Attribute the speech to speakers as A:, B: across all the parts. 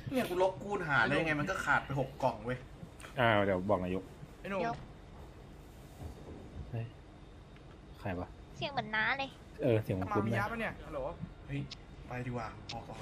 A: เนี่ยกูลบคูณหารได้ยังไงมันก็ขาดไป6 กล่องเว้ย
B: เดี๋ยวบอกนายก
A: ไอ้หนุ่ม
B: ใครวะ
C: เสียงเหมือนน้าเลย
B: เสียงมัน
A: มา
B: คุ้น
A: มี
B: นะ
A: ยาปะเนี่ยฮัลโหลเฮ้ยไปดีกว่าออก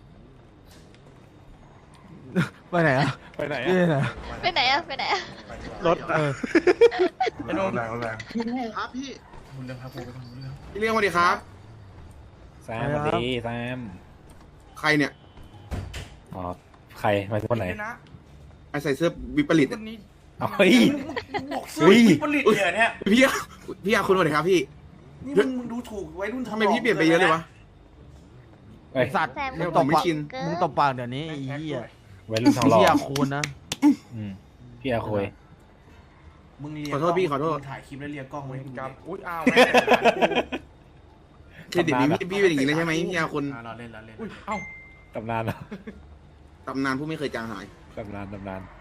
D: ไปไหนอะ
B: ไปไหน
D: พี่
B: อะ
C: ไปไหนอะไปไหนอะ
B: รถ
A: ไอ้หนุ่ม
E: แรงครับพี่
A: คุณเรื่องพากูไปทำเรื่อง
E: พี่เลี้ยงสวัสดีครับ
B: แซมสวัสดีแซม
E: ใครเนี่ย
B: อ๋อใครมาคนไหน
A: นะ
E: ไอใส่เสื้อวิปริต
A: คนนี้
B: เฮ้ย
A: บอกซื้อผลิตเนี่ย
E: พี่อาคุณสวัสดีครับพี่
A: นี่มึงดูถูกไว้รุ่น
E: ทำไมพี่เปลี่ยนไปเยอะเลยวะ
B: เอ้ย
D: สัตว์
C: แซม
E: เนี่ย
D: มึงตบ
E: ผมไม่
D: ปาก
E: ชิน
D: มึงตบปากเดี๋ยวนี้ไอ้เหี้ย
B: วัยรุ่นทองหล่อ
D: เหี้ยคูณนะ
B: พี่อาคุย
A: มึงเรีย
E: ขอโทษพี่ขอโทษ
A: ถ่ายคลิปแล้วเรียกกล้องไว้กับ
F: อุ้ยอ้าว
E: เครดิตนี้พี่เป็นอย่างนี้เลยใช่ไหมพี่อาคุณ
A: เราเล่นเราเล่น
F: อุ้ยเอ้า
B: ตำนานเหรอ
E: ตำนานผู้ไม่เคยจางหาย
B: ตำนาน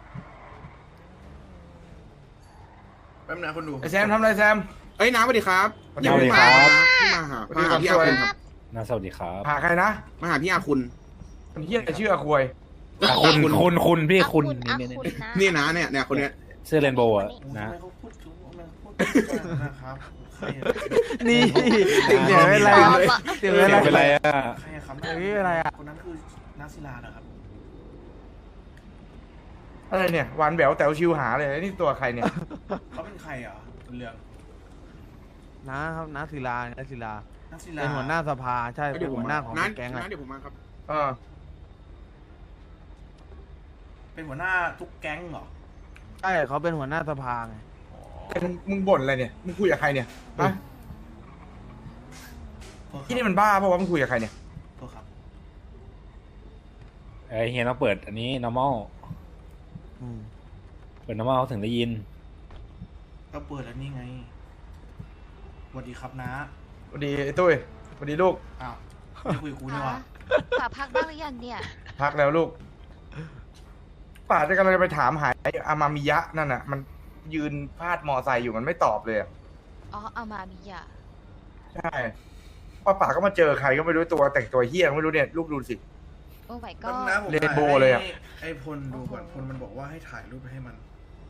A: แป๊บนึงคนดู
F: ไอแซมทำอะไรแซม
E: เอ้ยน้าสวัสดีครับ
B: สวัสดีครับ
E: พี่มาหาพี่อาคุณครับ
B: น่าสวัสดีครับ
F: หาใครนะ
E: มาหาพี่อาคุณ
F: คนเฮียชื่ออาควย
B: คุณพี่
C: อา
B: คุณ
C: อา
B: นี่
C: คุณนะ
E: นี่นะเนี่ยคนเนี้ย
B: เสื้อเรนโบว์อะ
A: ทำ
B: นะ
A: ไมเขาพูดถึงนะครับใคร
D: นี่เสียงเป็นไร
C: ตอ
D: อะ
C: บอะ
D: เสียง
B: เสี
D: เป็
B: ย
D: น
B: งเป็น
D: ไร
B: ไรอะ
A: ใครครับ
D: เฮ้ยอะไรอะ
A: คนนั้นคือนักศิลานะครับ
F: อะไรเนี่ยหวานแหววแต๋วชิวหาเลยนี่ตัวใครเนี่ย
A: เขาเป็นใครอ่ะเรื่อง
D: นะครับน้าศิลาน้าศิลา
A: นักศิลา
D: เป็นหัวหน้าสภาใช่
E: เดี๋
D: เป็
E: ย
D: น
E: วผม
D: หัวหน้าของ
E: น้า
D: แก๊งอะ
E: เดี๋ยวผมมาครับ
F: เออ
A: เป็นหัวหน้าทุกแก๊งเหรอ
D: ใช่เขาเป็นหัวหน้าสภาไง
F: แต่มึงบ่นอะไรเนี่ยมึงคุยกับใครเนี่ยฮะที่นี่มันบ้าเพราะว่ามึงคุยกับใครเนี่ย
A: โทษครับ
B: เฮียต้องเปิดอันนี้ normal
D: อืม
B: เปิด normal เขาถึงได้ยิน
A: ก็เปิดแล้วนี่ไงสวัสดีครับน้า
F: สวัสดีไอ้ตุ้ยสวัสดีลูก
A: อ้าวไม่คุยกับกูนี่หว่า
C: ป่าพักบ้างหรือยังเนี่ย
F: พักแล้วลูกป่าจะกำลังจะไปถามหาไอ้อามามิยะนั่นน่ะ มันยืนพาดมอไซค์อยู่มันไม่ตอบเลยอะ
C: อ๋อเอามามิยะ
F: ใช่ป่าก็มาเจอใครก็ไม่รู้ตัวแต่งตัวเฮี้ยก็ไม่รู้เนี่ยลูกดูสิ
C: โอ้ my
A: ก็
C: god
A: นะผม
F: เรนโบว์เลยอะ
A: ไอ้พลดูก่อนพลมันบอกว่าให้ถ่ายรูปไปให้มัน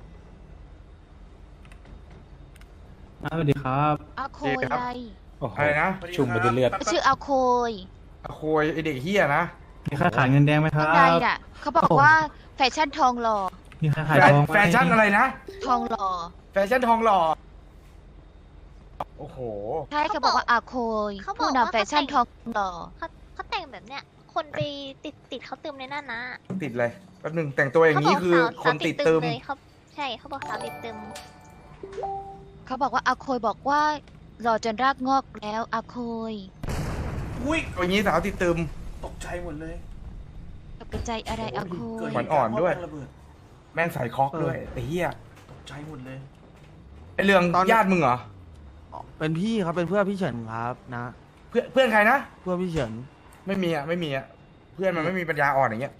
G: สวัสดีครับ
C: อาโคยอะไร
B: โอ้โห
F: อะไรนะ
B: ชุ่มไปด้วยเลือด
C: ชื่ออาโคย
F: อาโคยไอเด็กเฮี้ยนะ
G: มีค่าขายเงินแดงไหมครับ
C: ใครน่ะเขาบอกว่าแฟชั่นทองหล่อ
G: มีค่าขายทองไหม
F: แฟชั่นอะไรนะ
C: ทองหล่อ
F: แฟชั่นทองหล่อ โอ้โห
C: ใช่เขาบอกว่าอาโคย
H: เขาบ
C: ผู้
H: อกว่า
C: นำแฟชั่นทองหล่อ
H: เขาแต่งแบบเนี้ย คนไปติดเขาตึมในนั่นนะ
F: ติดเลยแป๊บหนึงแต่งตัวอย่างนี้คือคนติดตึม
H: เลยเขาใช่เขาบอกสาวติดตึม
C: เขาบอกว่าอาโคยบอกว่าหล่อจนรากงอกแล้วอาโคย
A: อุ้ย
F: ตัวอย่างนี้สาวติดตึม
A: ตกใจหมดเลย
C: ตกใจอะไรอาโค
A: เกิด
C: ย
A: เหตุ
F: อ่อนๆด้วย
A: การณ์ระเบิด
F: แม่งใส่คอกด้วยไอ้เหี้ย
A: ตกใจหมดเลย
F: ไอ้เรื่องญาติมึงเหรอ
D: เป็นพี่ครับเป็นเพื่อนพี่เฉินครับนะ
F: เพื่อนใครนะ
D: เพื่อนพี่เฉิน
F: ไม่มีอ่ะไม่มีอ่ะเพื่อนมันไม่มีปัญญาอ่อนอย่างเงี้ย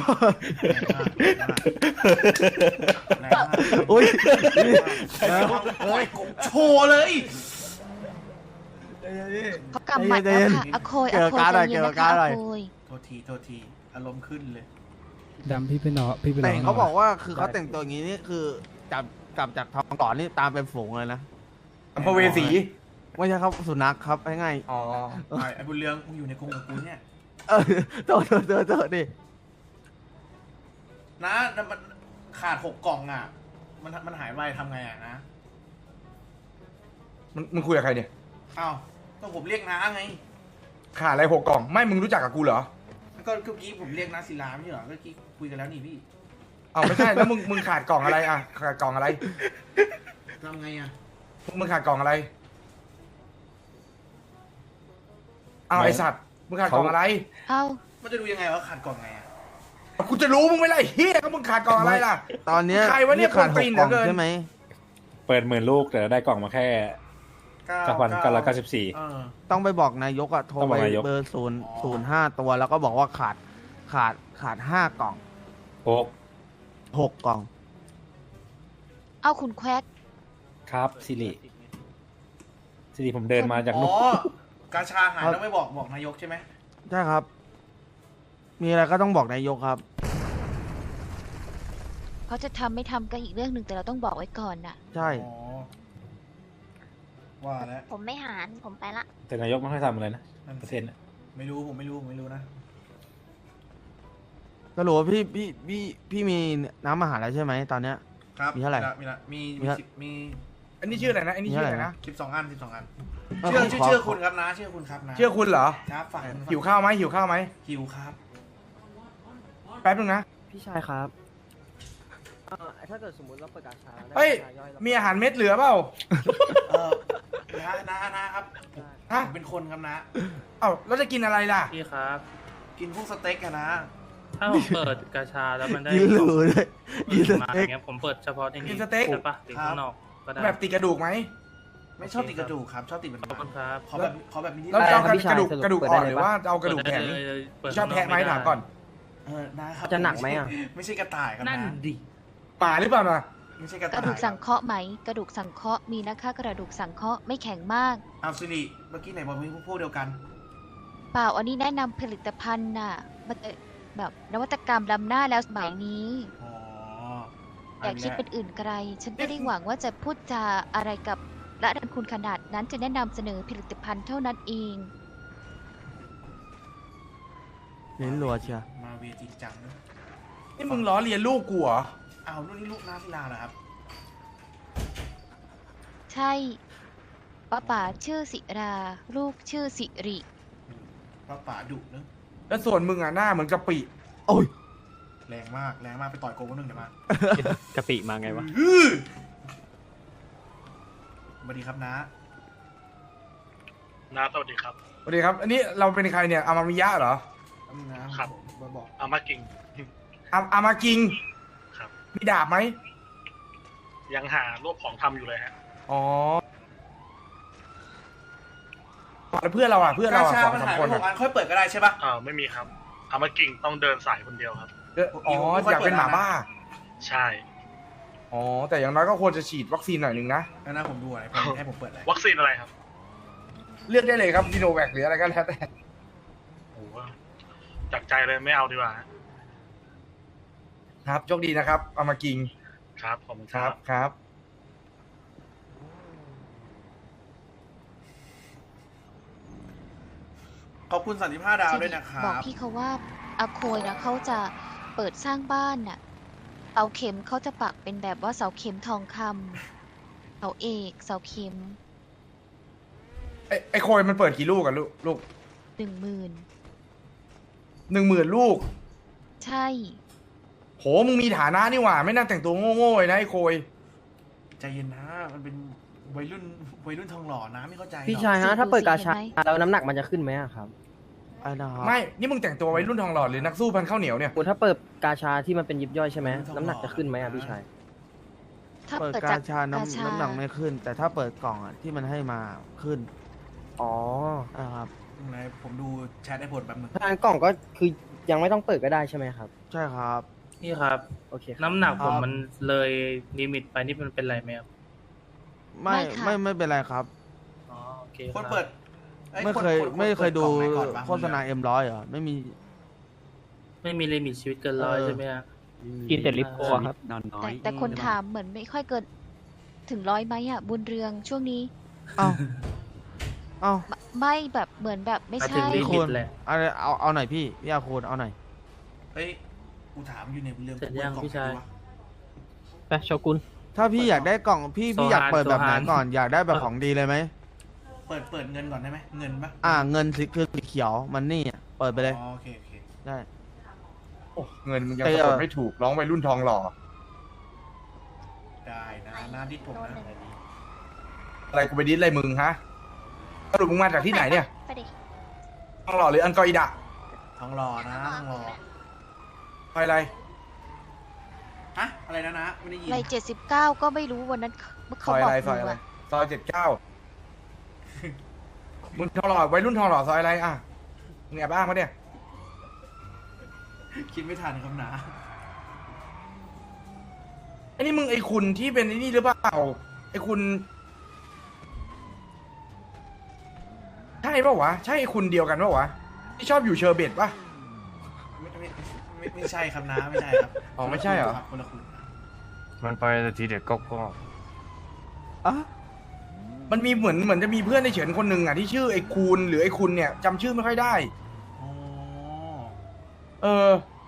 A: แรงมาก
D: อุ้ย
A: โอ้ยกบโชว์เลย
C: เขากำหมัดแล้วค่ะอาโคยอาโคยใจเย็นนะคะอาโคย
A: โทษทีอารมณ์ขึ้นเลย
G: ดำพี่เป็นหนอพี่เป็น
D: แต่งเขาบอกว่าคือเขาแต่งตัวอย่างนี้นี่คือจับจากทองหล่อนี่ตามเป็นฝูงเลยนะ
F: อัมพเวสี
D: ไม่ใช่ครับสุนัขครับง่าย
F: อ๋อ
A: ไอ้บุญเรืองมึงอยู่ในกรงกับกูเนี่ย
D: ๆโตดิ
A: นะมันขาด6 กล่องอ่ะ มันหายไปทำไงอ่ะนะ
F: มึงคุยกับใครเนี่ย
A: อ้าวก็ผมเรียกน้าไง
F: ขาดอะไร6 กล่องไม่มึงรู้จักกับกูเหรอ
A: ก็เมื่อกี้ผมเรียกน้าศิลาไม่ใช่เหรอเมื่อกี้คุยกันแล้วนี่พี่
F: เอาไม่ใช่แล้วมึงขาดกล่องอะไรอ่ะขาดกล่องอะไร
A: ทำไงอ่ะ
F: มึงขาดกล่องอะไรเอาไอสัตว์มึงขาดกล่องอะไร
C: เอ้า
A: มันจะดูยังไงว่าขาดกล่องไงอ่ะ
F: กูจะรู้มึงไม่ไรเฮียก็มึงขาดกล่องอะไรล่ะ
D: ตอนเนี้ย
F: ใครวะเนี่ย
D: ขาด
F: คน
D: ห
F: ตี
D: ก
F: น
D: กล่อง
F: เหลือเกิน
D: ใช่ไหม
B: เปิด10,000 ลูกแต่ได้กล่องมาแค่ 9,994
A: เออ
D: ต้องไปบอกนายกอะโทร
B: ต้องบ
D: ไป
B: อกนายก
D: เบอร์005ตัวแล้วก็บอกว่าขาด5 กล่อง 6 กล่อง
C: เอาคุณแควก
B: ครับสิริผมเดินมาจาก
A: อ๋
B: นู่น
A: อกาชาหายแล้วไม่บอกนายกใช่ไหม
D: ใช่ครับ มีอะไรก็ต้องบอกนายกครับ
C: เขาจะทำไม่ทำก็อีกเรื่องหนึ่งแต่เราต้องบอกไว้ก่อนน่ะ
D: ใช่
A: อ๋อว่าแล้ว
H: ผมไม่หารผมไปละ
B: แต่นายกไม่ค่อยทำอะไรนะ
A: นั่น
B: เปอร์
A: สิ
B: เซ็นต์อะ
A: ไม่รู้ผมไม่รู้นะ
D: สรุปว่าพี่มีน้ำอาหารแล้วใช่ไหมตอนเนี้ย
A: ครับ
D: มีเท่าไหร่
A: มีละมี
D: มี
A: มี
D: เท่า
A: มี
F: อันนี้ชื่ออะไรนะอันนี้ชื่ออะไรนะ
A: 12 อัน 12 อัน
D: เออ
A: ชื่อ
D: ขอ
A: ชื่อคุณครับนะชื่อคุณครับนะ
F: เชื่อคุณเหรอ
A: ครับฝั่ง
F: หิวข้าวไหมหิวข้าวไหม
A: หิวครับ
F: แป๊บนึงนะ
I: พี่ชายครับถ้าเกิดสมมติเราเปิดกาชาแล้วได้
F: เฮ้ย
I: กาชาย่อยแล้ว
F: มีอาหารเม็ดเหลือเปล่า
A: เออนะครับ
F: ฮะ
A: ผมเป็นคนครับนะ
F: เอ้าเราจะกินอะไรล่ะ
J: พี่ครับ
A: กินพวกสเต็กอะนะ
J: ถ้าผมเปิดกาชาแล้วมันได้
D: กินหรูเลยกินส
J: มา
D: เต็ก
J: อย่างเงี้ยผมเปิดเฉพาะใน
F: กิ
J: นี้
F: นสเต็ก
J: ใช่ปะหรือข้างนอกก็ได้
F: แบบติดกระดูกไหม
A: ไม่ชอบติดกระดูกครับ ชอบติดมัน
J: ขอบคุณครับ
A: ขอแบบนี้
F: เราจะเอากระดูก
I: สรุป
F: กระดูก
I: เปิด
F: อ่
I: ได้
F: อน
I: เลย
F: หรือ
I: ปะ
F: ว่าเอากระดูก
J: เปิด
F: แข็ง
J: ได้เลยเปิด
F: ชอบแทะไหม
J: ข้งน
F: ถามก่อน
A: นะครับ
I: จะหนักไหมอะ
A: ไม่ใช่กระต่ายครับ
J: นั่น
A: นะ
J: ดิ
F: ป่าหรือเปล่านะ
A: ไม่ใช่กระ
C: ก
A: ต่าย
C: ระดูกสังเคราะห์ไหม กระดูกสังเคราะห์มีนะคะ กระดูกสังเคราะห์ไม่แข็งมาก
A: เอาสิริเมื่อกี้ไหนบอกมีพวกเดียวกัน
C: เปล่าอันนี้แนะนำผลิตภัณฑ์น่ะมันแบบนวัตกรรมล้ำหน้าแล้วสมัยนี้
A: อ๋อ
C: อย่าคิดเป็นอื่นไกล ฉันไม่ได้หวังว่าจะพูดจาอะไรกับระดับคุณขนาดนั้นจะแนะนำเสนอผลิตภัณฑ์เท่านั้นเอง
D: เน้นรัวเชียว
A: มาเวจริงจังนะ
F: นี่มึงล้อเลียนลูกกูเหรอ
A: อ้าวนู่นนี่ลูกน้าศิลาเหรอครับ
C: ใช่ป้าป๋าชื่อสิรา ลูกชื่อสิริ
A: ป้าป๋าดุเนอะ
F: แล้วส่วนมึงอ่ะหน้าเหมือนกะปิ
D: โอ้ย
A: แรงมากไปต่อยโกงคนหนึ่งเดี๋ยวมาก
B: ะปิมาไงวะ
A: สวัสดีครับน้า
J: นาสวัสดีครับ
F: สวัสดีครับ อันนี้เราเป็นใครเนี่ยอามามิยะเหรอ
A: นะครับ บอก
J: อามากิง
F: อามากิง
J: ครับ
F: มีดาบไหม
J: ยังหารวบของทำอยู่เลยฮะ
F: อ๋อแล้วเพื่อนเราอ่ะเพื่อน
A: กา
F: เราอ่ะ
A: ชา
F: สอง
A: มัน
F: สาม
A: หาย
F: ค
A: ไป
F: น
A: ห
F: อ่ะ
A: กอันค่อยเปิดก็ได้ใช่ปะ
J: ไม่มีครับ อามากิงต้องเดินสายคนเดียวครับ
F: อ๋ออยากเป็นหมาบ้า
J: ใช่
F: อ๋อแต่อย่างน้อยก็ควรจะฉีดวัคซีนหน่อยหนึ่งนะ
A: งั้นนะผมดูอะไรผมให้ผมเปิดอะไร
J: วัคซีนอะไรครับ
F: เลือกได้เลยครับซีโนแวคหรืออะไรก็แล้วแต่
J: โอ้โหจากใจเลยไม่เอาดีกว่า
F: ครับโชคดีนะครับอามากิง
J: ครับขอบคุณ
F: ค
J: ค
F: รั
J: รั
F: บบ ครับ
A: ขอบคุณ35 ดาวด้วยนะครั
C: บอก
A: บ
C: พี่เขาว่าอาโคยนะเขาจะเปิดสร้างบ้านน่ะเสาเข็มเขาจะปักเป็นแบบว่าเสาเข็มทองคำเสาเอกเสาเข็ม
F: ไอ้โคยมันเปิดกี่ลูกอะลูก
C: 10,000
F: 10,000 ลูก
C: ใช่
F: โหมึงมีฐานะนี่หว่า ไม่น่าแต่งตัวโง่ๆเลยนะไอ้โคย
A: ใจเย็นนะ มันเป็นวัยรุ่นทองหล่อนะไม่เข้าใจหรอก
I: พี่ชายฮะถ้าเปิดกาชาแล้วน้ำหนักมันจะขึ้นไหมอะครับ
D: ไอ้นะครับ
F: ไม่ นี่มึงแต่งตัวไว้รุ่นทองหล่อหรือนักสู้พันข้าวเหนียวเนี่ย
I: คุณถ้าเปิดกาชาที่มันเป็นยิบย่อยใช่ไหมน้ำหนักจะขึ้นไหมอะพี่ชาย
C: ถ้า
D: เปิด
C: เปิด
D: กา
C: จาก
D: ชา
C: กาชา
D: น้ำหนักไม่ขึ้น แต่ถ้าเปิดกล่องอ่ะที่มันให้มาขึ้น
I: อ๋อ
D: นะครับ
A: ไหนผมดูแชทไอ้ผลแป๊บนึง
I: ถ้างั้นกล่องก็คือยังไม่ต้องเปิดก็ได้ใช่ไหมครับ
D: ใช่ครับ
J: พี่ครับ
I: โอเคครับ
J: น้ำหนักผม
D: ครับ
J: มันเลยลิมิตไปนี่มันเป็นไรไหมครับ
D: ไม่เป็นไรครับ
J: อ๋อโอเค
A: คน
J: รับ
A: เปิดอ้
D: ไม่เคย
A: น
D: ไม่เคยดู
A: ปิกล่องไหนก่อนวะ
D: โฆษณาM100เหรอไม่มี
J: ไม่มีลิมิตชีวิตเกินร้อยใช่ไหมฮะ
B: กินแต่ลิปโก้ครับ นอนน้อ
C: แต่
B: ย
C: คนถามเหมือนไม่ค่อยเกินถึง100ไหมอ่ะ บุญเรืองช่วงนี้
D: เอ้าเอ้า
C: ไม่แบบเหมือนแบบไม่
J: หมายถึ
C: ใช่
J: งลิ
D: คุ
J: มิ
D: ณ
J: ตแหละ
D: เอาหน่อยพี่อาคูณเอาหน่อย
A: เฮ้ยกูถามอยู่ในเรื่อง
J: เสร็จยัง
A: กล่อ
J: พี่ชาย
A: ไหนวะ
B: ไปโชกุน
D: ถ้าพี่อยากได้กล่องพี่อยากเปิดแบบไหน
J: โซฮาน
D: ก่อนอยากได้แบบของดีเลยไหม
A: เปิดเงินก่อนได้ไหมเงินปะ
D: เงินสีคือสีเขียวมันนี่อะเปิดไปเลย
A: อ๋อโอเค
D: ได้
F: โอ้เงินมึงยัง
D: เออ
F: สะกดไม่ถูกร้องวัยรุ่นทองหล่อ
A: ได้นะหน้าดิดผมนะ
F: อะไรกูไปดิ้นอะไรมึงฮะสรุปมึงมาจากที่ไหนเนี่ย
H: ไปดิ
F: ทองหล่อหรืออันกออิดะ
A: ทองหล่อนะทองหล่อ
F: ไปอะไร
A: ฮะอะไรนะไม่ได้ยิน
C: ไร79 ก็ไม่รู้วันนั้น
F: ซ
C: เขา
F: อย
C: บ
F: อะ
C: อก
F: ไร
C: ห
F: ซอย
C: นู
F: อะไร
C: อะ
F: ซอย79มึงทองหล่อวัยรุ่นทองหล่อซอยอะไรอ่ะมึงแอบอ้างมาเนี่ย
A: คิดไม่ทันครับนะ
F: ไอ้นี่มึงไอ้คุณที่เป็นไอ้นี่หรือเปล่าไอ้คุณใช่ป่าวะใช่ไอ้คุณเดียวกันป่าวะที่ชอบอยู่เชอร์เบตป่ะ
A: ไม่ใช่ครับนะไม่ใช่ครับ
F: อ๋อไม่ใช่เหรอ
A: คนละคุณ
F: มันไปแต่ทีเด็กก็
D: อ่ะ
F: มันมีเหมือนจะมีเพื่อนในเฉินคนหนึ่งอ่ะที่ชื่อไอ้คูณหรือไอ้คุณเนี่ยจำชื่อไม่ค่อยได้
A: อ๋อ
F: เออ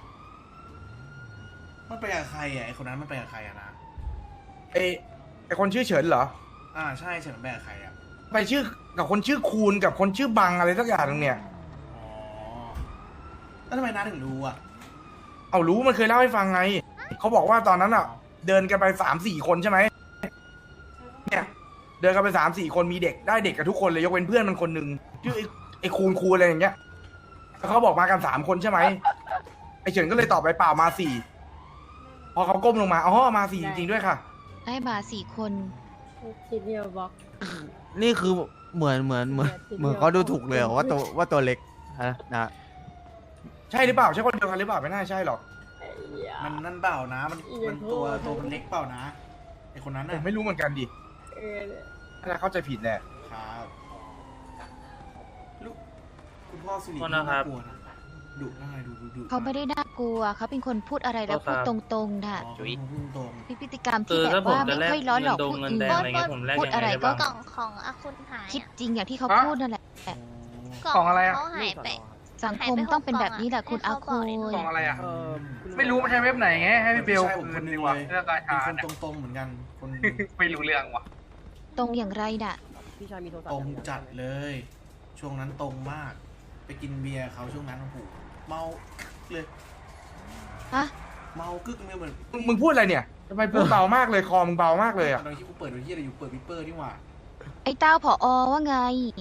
A: มันไปกับใครอ่ะไอคนนั้นมันไปกับใครอ่ะนะ
F: ไอ้คนชื่อเฉินเหรอ
A: ใช่เฉินไปกับใครอ่ะ
F: ไปชื่อกับคนชื่อคูณกับคนชื่อบังอะไรสักอย่างหนึงเนี่ย
A: อ๋อแล้วทำไมน้าถึงรู้อ่ะ
F: เอารู้มันเคยเล่าให้ฟังไงเขาบอกว่าตอนนั้นอ่ะ เดินกันไป3-4 คนใช่ไหมเนี่ยเดินกันไป3-4 คนมีเด็กได้เด็กกับทุกคนเลยยกเว้นเพื่อนมันคนหนึ่งชื่อไอ้คูณอะไรอย่างเงี้ยแล้วเขาบอกมากัน3 คนใช่ไหมไอ้เฉินก็เลยตอบไปเปล่ามา4พอเขาก้มลงมาอ๋อมา4จริงๆด้วยค่ะ
C: ได้มา4 คน
H: ทีเดียวบอก
D: นี่คือเหมือนเขาดูถูกเลยเหรอว่าตัวเล็กนะ
F: ใช่หรือเปล่าใช่คนเดียวกันหรือเปล่าไม่น่าใช่หรอก
A: มันนั่นเปล่านะ มันตัวมันเล็กเปล่านะไอคนนั้น
F: ผ
A: น่ะ
F: มไม่รู้เหมือนกันดิถ้าเข้าใจผิดแหละ
A: ครับลูกคุณพ่อสุริ
J: โทษนะครับ
A: ากลัวนะดุน่าไงดุ
C: เขาไม่ได้น่ากลัวเขาเป็นคนพูดอะไรแล้วพูดตรงๆน่ะ
A: จุ๊ยพุ่งตรง
C: มีพฤติกรรม
J: คื
C: ที่
J: อ
C: แบบ
J: ถ้าผม
C: ว่า
J: จะ
C: ไม่
J: แลก
C: ค่อยล้อหลอก
J: เงิน
C: ผู้
J: เง
C: อื่น
J: แดงอะไรเงี้ยผมแลก
C: พูด
J: ยังไง
C: อะไร
J: ได้
C: ก็
J: บ้าง
H: กล่องของอาคุณหาย
C: คิดจริงอย่างที่เขาพูดนั่นแหละ
F: กล่องอะไรอะ
H: เขาหายไป
C: สังคมต้องเป็นแบบนี้แหละคุณอาคุย
F: กล่องอะไรอ่ะ
I: คุณ
F: ไม่รู้มันใช้เว็บไหนไงให้พี่เบล
A: ใช่ผมคนหนึงเลย
F: เรื่องการ
A: เป็น
F: ชา
A: ค
F: ร์
A: น
F: จ
A: ตรงๆเหมือนกันคน
F: ไม่รู้เรื่องว่ะ
C: ตรงอย่างไรน่ะ
I: พี่ชายมีโทรศัพ
A: ต
I: ท์
A: รงจัดเลย ช่วงนั้นตรงมาก ไปกินเบียร์เขาช่วงนั้นโอ้โหเมากึกเลย
C: ฮะ
A: เมากึกเลยเหมือน
F: มึงพูดอะไรเนี่ยทำไมพูดเบามากเลยคอมึงเบามากเลยอ่ะ
A: ตอนที่กูเปิดดูที่อะไรอยู่เปิดวิปเปอร์นี่หว่า
C: ไอ้เต้าผอว่าไง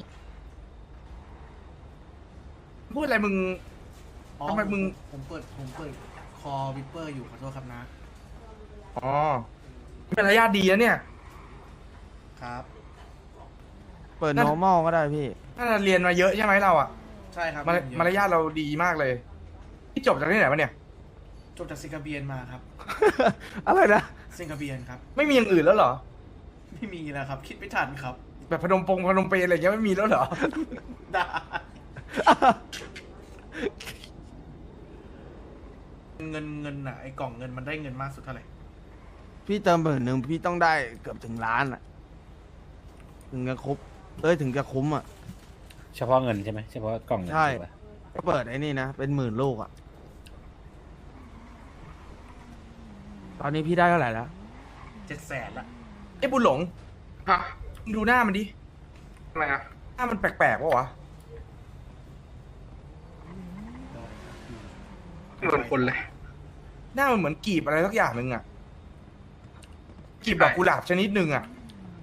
F: พูดอะไรมึง
A: อ๋อ
F: ทำไมมึง
A: ผมเปิดคอวิปเปอร์อยู่ขอโทษครับนะ
F: อ๋อเป็นระยะดีนะเนี่ย
A: ครับ
D: เปิด normal ก็ได้พี่
F: น่าจะเรียนมาเยอะใช่ไหมเราอ่ะ
A: ใช่ครับ
F: มารยาทเราดีมากเลยที่จบจากที่ไหนมาเนี่ย
A: จบจากสิงคโปร์มาครับ
D: อะไรนะ
A: สิงคโปร์ครับ
F: ไม่มีอย่างอื่นแล้วเหรอ
A: ไม่มีแล้วครับ คิดไม่ทันครับ
F: แบบพนมเปญอะไรอย่างเงี้ยไม่มีแล้วเหรอ
A: ได้เงินอ่ะไอ้กล่องเงินมันได้เงินมากสุดเท่าไหร่
D: พี่เติม10,000พี่ต้องได้เกือบถึงล้านอ่ะ ถึงจะครบถึงจะคุ้มอ่ะ
B: เฉพาะเงินใช่ไหมเฉพาะกล่องเงิน
D: ใช่
B: ถูกปะ
D: ก็เปิดไอ้นี่นะ เป็น10,000 ลูกอ่ะ ตอนนี้พี่ได้เท่าไหร่แล้ว
A: 700,000ละ
F: ไอ้บุญหลงฮะดูหน้ามันดิทำไมอ่ะหน้ามันแปลกๆวะวะเหมือนคนเลย หน้ามันเหมือนกีบอะไรสักอย่างหนึ่งอ่ะกีบดอกกุหลาบชนิดหนึ่งอ่ะ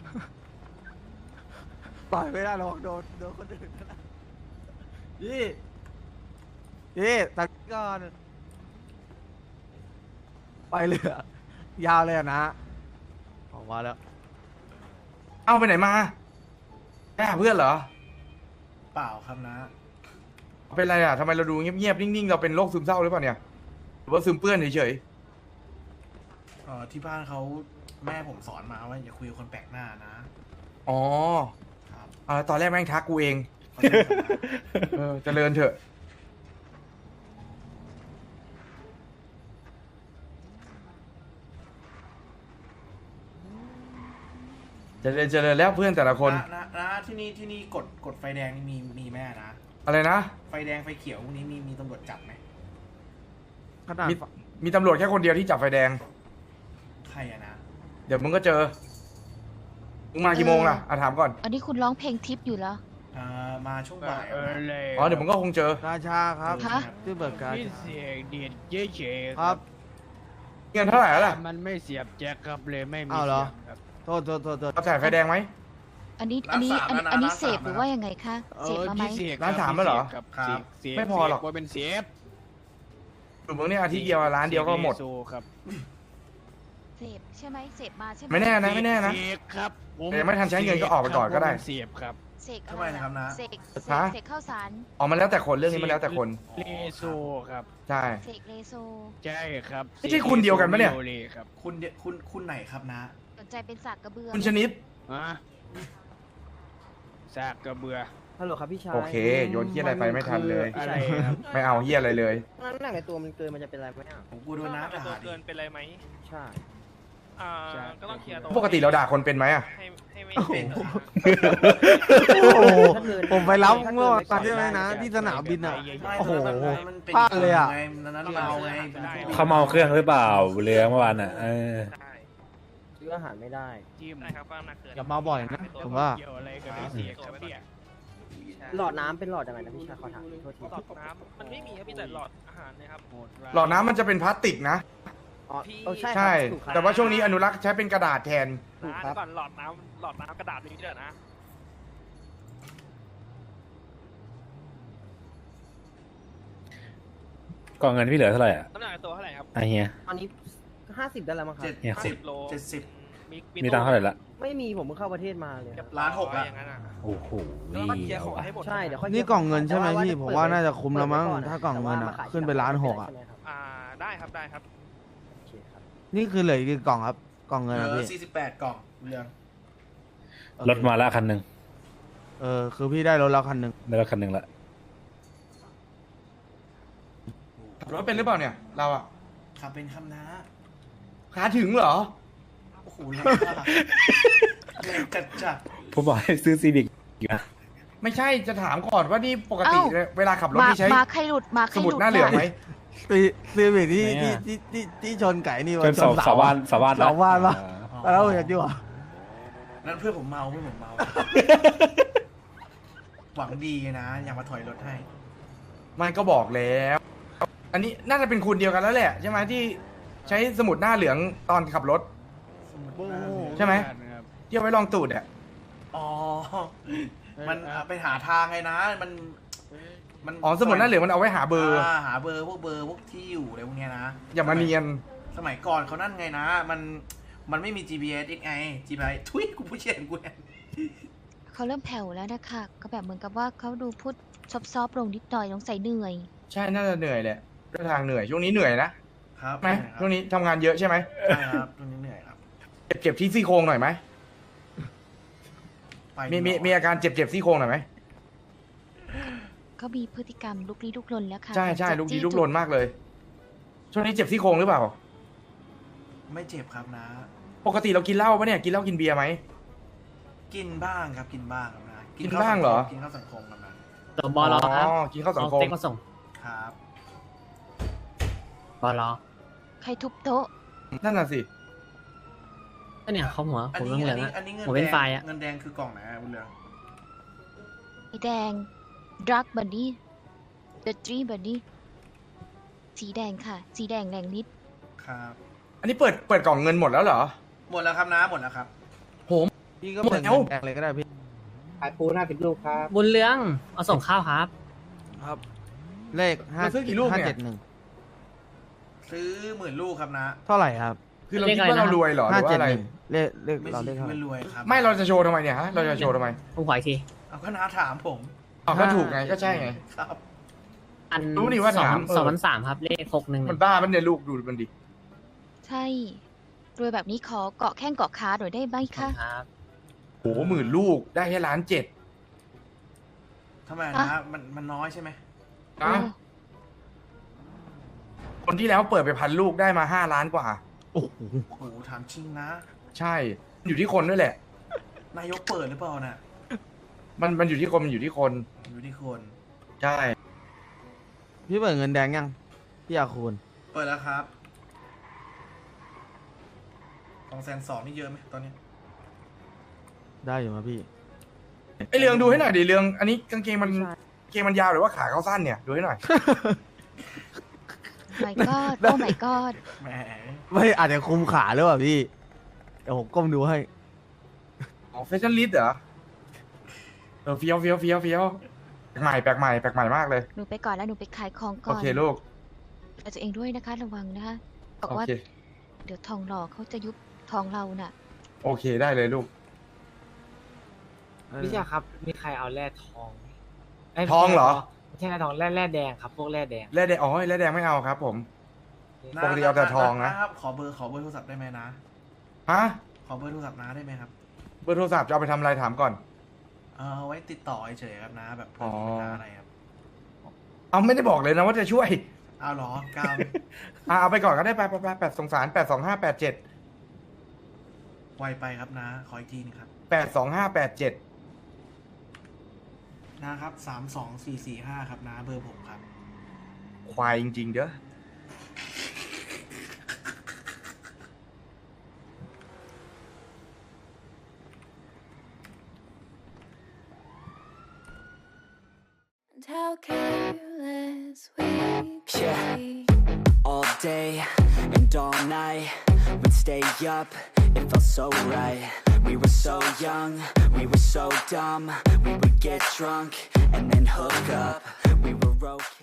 D: ต่อยไม่ได้หรอกโดนคนอื่นนะพี่ตักก่อนไปเลยอะยาวเลยอะนะ ออกมาแล้ว
F: เอาไปไหนมาไปหาเพื่อนเหรอ
A: เปล่าครับนะ
F: เป็นไรอ่ะทำไมเราดูเงียบๆนิ่งๆเราเป็นโรคซึมเศร้าหรือเปล่าเนี่ยหรือว่าซึมเปื้อนเฉย
A: ที่บ้านเขาแม่ผมสอนมาว่าอย่าคุยกับคนแปลกหน้านะ
F: ๆอ๋อ
A: ครับ
F: ตอนแรกแม่งทักกูเอง
A: ขอโทษครับนะ
F: เจริญเถอะเจริญแล้วเพื่อนแต่ละคน
A: นะที่นี่กดไฟแดงนี่มีแม่นะ
F: อะไรนะ
A: ไฟแดงไฟเขียวพวกนี้มีตำรวจจับไหม
D: ขนาด
F: มีตำรวจแค่คนเดียวที่จับไฟแดง
A: ใครอะนะ
F: เดี๋ยวมึงก็เจอ มึงมากี่โมงล่ะถามก่อน
C: อันนี้คุณร้องเพลงทิปอยู่เหรอ
A: มาช่วงบ่ายอะนะ
F: อ๋อเดี๋ยวมึงก็คงเจอ
D: ราชาครับ
C: ฮะ
D: ชื่อเบิร์กการ
G: พี่เสียงเดียดเฉยๆ
D: ครับ
F: เงินเท่าไหร่แล้วล่ะ
G: มันไม่เสียบแจ็คครับเลยไม่มี
D: อ้าวเหรอ
G: เสียงครับ
D: โทษ
F: เราจ่ายไฟแดงไหม
C: อันนี้เสพหรือว่ายังไงคะเสพมาไหม
G: พี่เสก
F: ร้านสามแล้วเหรอ
G: ครับ
A: ครับ
G: เสก
F: ไม่พอหรอก
G: ว่าเป็นเสียบ
F: อยู่มึงเนี่ยอาทิตย์เดียวร้านเดียวก็หมด
G: เสโซครับ
C: เสพใช่ไหมเสพมาใช่ไหม
F: ไม่แน่นะไม่แน่นะ
G: เสกครับ
F: แต่ยังไม่ทันใช้เงินก็ออกไปก่อนก็ได้
G: เสียบครับ
C: เสกอะ
A: ทำไมนะครับนะ
C: เสก
F: ฮะ
C: เสกข้าวสาร
F: อ๋อมันแล้วแต่คนเรื่องนี้มันแล้วแต่คน
G: เลโซครับ
F: ใช่
C: เสกเลโซ
G: ใช่ครับ
F: ไม่ใช่คุณเดียวกันปะเนี่ย
G: โลเลครับ
A: คุณไหนครับนะ
C: สนใจเป็นสากกระเบือ
F: คุณชนิด
G: อะซากกระเบือ
I: ฮัลโหลครับพี่ชาย
F: โอเค โยนเฮียอะไรไปไม่ทันเลย
G: อะไรครับ
F: ไม่เอาเฮียอะไรเลย
I: น้ำหนักในตัวมันเกินมันจะเป็นอะไรไหมอ่ะ
A: ผมกลัวโดนน้าด่าดิ
J: เกินเป็นไรไหม
I: ใช่
A: อ
I: ก็ต้องเคลียร์
F: ปกติเราด่าคนเป็นไหมอะ
I: ให้ไม่
A: เป็น
D: โอ้โหผมไปรับเมื่อวันใช่ไหมนะที่สนามบินอ่ะ โอ้โห
A: มันเป็น
D: พลาดเลยอะ
A: ไงนั้นเราไงเป็นผู้
B: เขาเมาเครื่องหรือเปล่าเรือเมื่อวานอ่ะ
I: ซื้ออาหารไม่ได้
G: จิ้ม
I: ได้ครับก็น้ำหนักเกิน
D: อย่ามาบ่อยนะผมว่า
G: เกี่ยวอะไรกับไอ้เสียครับเนี่ย
I: หลอดน้ำเป็นหลอดยังไงนะพี่ชายขอถามโทษทีหลอดน้ำมันไม่มีครับพี่แต่หลอดอาหารนะครับ
F: หลอดน้ำมันจะเป็นพลาสติกนะ
I: อ๋อใช่
F: ใช่ แต่ว่าช่วงนี้อนุรักษ์ใช้เป็นกระดาษแทน
I: ถูกครับก่อนหลอดน้ำกระดาษนี้เด้อนะ
B: กองเงินพี่เหลือเท่าไหร่อ่ะ
I: น้ำหนักตัวเท่าไหร่ครับ
B: ไอเฮีย
I: ตอนนี้50ได้แล้วมั้งครับ
A: 70
I: โล
A: 70
B: มีตังค์เท่าไหร่ละ
I: ไม่มีผมเพิ่งเข้าประเทศมาเลย
A: ล้านหกละ
B: โอ้โห
I: แล้วก็เคลียร์ของให้หมดใช่เดี๋ยวค่อย
D: นี่กล่องเงินใช่ไหมพี่ผมว่าน่าจะคุ้มแล้วมั้งถ้ากล่องเงินอ่ะขึ้นไป1.6 ล้านอ่ะ
I: ได้ครับได้ครับโอเคครับ
D: นี่คือเหลืออีกกี่กล่องครับกล่องเงิน
A: เห
D: อ่ะ
A: ลื
D: พี่
A: อ48 กล่องเรื่อง
B: รถมาละคันหนึ่ง
D: คือพี่ได้รถแล้วคันหนึ่ง
B: ได้รถคันหนึ่งละ
F: ขับรถเป็นหรือเปล่าเนี่ย เราอะ
A: ขับเป็นคำนะ
F: ขาถึงเหรอ
A: โอ้โหแรงมากแรงจัด
B: ผมบอกให้ซื้อซีวิกนะ
F: ไม่ใช่จะถามก่อนว่านี่ปกติ
C: เอ้า
F: เวลาขับรถ
C: มา
F: นี่ใช้
C: มาใครหลุดมาใคร
F: ส
C: ห
F: มุด
C: ลุด
F: หน้าเหลืองไหม
D: ซีวิกที่ชนไก่นี่
B: เป็นสาวบ้านสาวบ้าน
D: สาวบ้านปะ
B: อ่า
D: แล้วเห็นดีกว่า
A: ๆนั่นเพื่อนผมเมา หวังดีนะ อยากมาถอยรถให้
F: ไม่ก็บอกแล้ว อันนี้น่าจะเป็นคุณเดียวกันแล้วแหละใช่ไหมที่ใช้สมุดหน้าเหลืองตอนขับรถ ใช่ไหม ที่เอาไว้ลองตูดอ่ะ
A: อ๋อ มันไปหาทางไงนะ มัน
F: อ๋อสมุดหน้าเหลืองมันเอาไว้หาเบอร์
A: หาเบอร์พวกที่อยู่อะไรพวกเนี้ยนะ
F: อย่ามาเนียน
A: สมัยก่อนเขานั่นไงนะ มันไม่มี GPS อีกไง GPS ทุยกูผู้เชี่ยนกูเนี่ย
C: เขาเริ่มแผ่วแล้วนะคะก็แบบเหมือนกับว่าเขาดูพูดซอฟๆลงนิดหน่อยสงสัยเหนื่อย
F: ใช่น่าจะเหนื่อยแหละเดินทางเหนื่อยช่วงนี้เหนื่อยนะครับ ไหม
A: ใช่
F: ช่วงนี้ทำงานเยอะใช่ไหม
A: ใช่ครับช่วงนี้เหนื่อยครับ
F: เจ็บที่ซี่โครงหน่อยไหม
A: ไป
F: มีอาการเจ็บซี่โครงหน่อยไหม
C: เขามีพฤติกรรมลุกลี้ลุกลนแล้วค่ะ
F: ใช่ใช่
C: จะ
F: ลุก
C: จี้
F: ลี้ลุกลนมากเลย ช่วงนี้เจ็บซี่โครงหรือเปล่า
A: ไม่เจ็บครับนะ
F: ปกติเรากินเหล้าปะเนี่ยกินเหล้ากินเบียร์ไหม
A: กินบ้างครับกินบ้างครับนะ
F: กินบ้างเหรอ
A: กินข้าวสังคมครับนะ
I: ตัวบอลครับ
F: กินข้าวสังคม
I: เต็กมาส่ง
A: ครับ
I: บอล
C: ใครทุบโต๊ะ
F: นั่นน่ะสิ
I: ก็เนี่ยเขาหัว
A: อัน
I: ผม
A: นี้
I: เรื่องเหลือง
A: อันนี้เงิน
I: ผมเป็น
A: แดง
I: ไฟล์อะ
A: เงินแดงคือกล่องไหนอะบุญเรือง
C: ไอแดงดรักบันนี่เดอะทรีบันนี่สีแดงค่ะ สีแดงแรงนิด
A: ครับ
F: อันนี้เปิดกล่องเงินหมดแล้วเหรอ
A: หมดแล้วครับนะหมดแล้วครับ
D: พี่ก็เปิด
F: หมดแล้ว
D: เงินแดงเลยก็ได้พี่
E: ขายปู50 ลูกครับ
I: บุญเรืองเอาส่งข้าวครับ
D: ครับ เลข
F: มันซื้อกี่ลูกเนี่ย
D: 571
A: ซื้อ10,000 ลูกครับนะ
D: เท่าไหร่ครับ
F: คือเราคิดว่าเรารวยเหรอหรือว่าอะไร
D: 571เลข
A: ไม่
D: เรา
A: ใช่
D: เลขเท่าไหร่
A: ไม่รวยครับ
F: ไม่เราจะโชว์ทำไมเนี่ยฮะ เราจะโชว์ทำไม
I: ผมขออีกที
A: เอาก็น้าถามผม
F: เอาก็ถูกไงก็ใช่ไง
A: ครับ
I: อัน
F: รู้นี่ว่าถาม
I: 2,300ครับเลข611
F: มันบ้ามันเนี่ยลูกดูมันดิ
C: ใช่รวยแบบนี้ขอเกาะแข้งเกาะขาหน่อยได้ไหมคะ
I: ครับ
F: โห10,000 ลูกได้แค่1,700,000
A: ทำไม
C: อ่ะ
A: นะมันน้อยใช่ไหม
F: นะ
C: โอ้
F: คนที่แล้วเปิดไป1,000 ลูกได้มา5 ล้านกว่า
D: โอ้โห
A: โอ้โหถามจริงนะ
F: ใช่ อยู่ที่คนด้วยแหละ
A: นายกเปิดหรือเปล่าน่ะ
F: มันอยู่ที่คนมันอยู่ที่คน
A: อยู่ที่คน
F: ใช่
D: พี่เปิดเงินแดงยังพี่อาคูณ
A: เปิดแล้วครับ220,000นี่เยอะไหมตอนนี้
D: ได้อยู่มาพี่
F: ไอเรืองดูให้หน่อยดิเรือง อันนี้กางเกงมันยาวหรือว่าขาเขาสั้นเนี่ยดูให้หน่อย
C: my god โอ้ my god
A: แหม
D: ไม่อาจจะคุมขาหรือเปล่าพี่เดี๋ยวผมก้มดูให้
F: อ๋อแฟชั่นลิสต์เหรอเฟี้ยวแปลกใหม่มากเลย
C: หนูไปก่อนแล้วหนูไปขายของก่
F: โอ
C: อน
F: เคลูก
C: เอาตัวเองด้วยนะคะระวังนะคะบอก
F: โอ
C: ว่า
F: เค
C: เดี๋ยวทองหล่อเขาจะยุบทองเราน่ะ
F: โอเคได้เลยลูก
I: พี่ชาครับ มีใครเอาแร่ทอง
F: ทองเหรอ
I: ไม่ใช่แร่ทองแร่แดงครับ พวกแร่แดง
F: แร่แดงอ๋อแร่แดงไม่เอาครับผม ปกติเอาแต่ทองนะ
A: ครับขอเบอร์โทรศัพท์ได้ไหมนะ
F: ฮะ
A: ขอเบอร์โทรศัพท์น้าได้ไหมครับ
F: เบอร์โทรศัพท์จะเอาไปทำอะไรถามก่อน
A: เอาไว้ติดต่อเฉยๆครับนะแบบเพื่
F: อ๋
A: อ
F: อ
A: นเป็นน้าอะไรครับ
F: เอาไม่ได้บอกเลยนะว่าจะช่วย
A: เอาเหรอกาว
F: เอาไปก่อนก็ได้ไปสงสาร82587
A: ไวไปครับนะ ขออีกทีนะครับ
F: 82587
A: นะครับ32445ครับนะเบอร์ผมครับ
F: ควายจริงๆเด้อ
K: How careless we could be.
L: All day and all night, we'd stay up, it felt so right. We were so young, we were so dumb. We would get drunk and then hook up. We were okay.